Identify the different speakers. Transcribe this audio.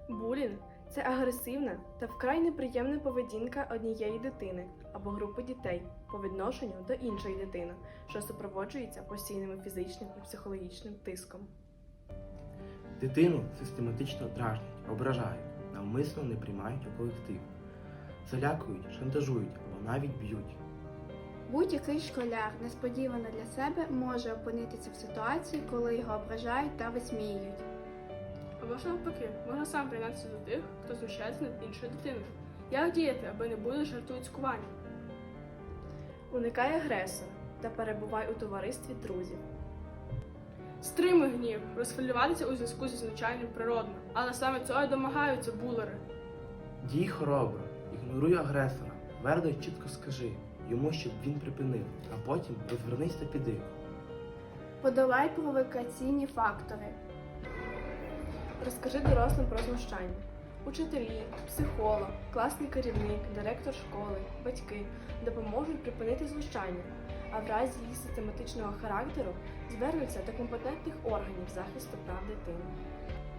Speaker 1: Булінг – це агресивна та вкрай неприємна поведінка однієї дитини або групи дітей по відношенню до іншої дитини, що супроводжується постійним фізичним і психологічним тиском.
Speaker 2: Дитину систематично дражнять, ображають, навмисно не приймають у колектив, залякують, шантажують або навіть б'ють.
Speaker 3: Будь-який школяр несподівано для себе може опинитися в ситуації, коли його ображають та висміюють.
Speaker 4: Або ж навпаки, можна сам приєднатися до тих, хто знущається над іншою дитиною. Як діяти, аби не були жартують цькування?
Speaker 1: Уникай агресора та перебувай у товаристві друзів.
Speaker 4: Стримуй гнів, розхвилюватися у зв'язку зі звичайним природно, але саме цього й домагаються булери.
Speaker 2: Дій хоробро, ігноруй агресора, твердо й чітко скажи йому, щоб він припинив, а потім розвернись та піди.
Speaker 3: Подолай провокаційні фактори.
Speaker 1: Розкажи дорослим про знущання. Учителі, психолог, класний керівник, директор школи, батьки допоможуть припинити знущання, а в разі їх систематичного характеру звернуться до компетентних органів захисту прав дитини.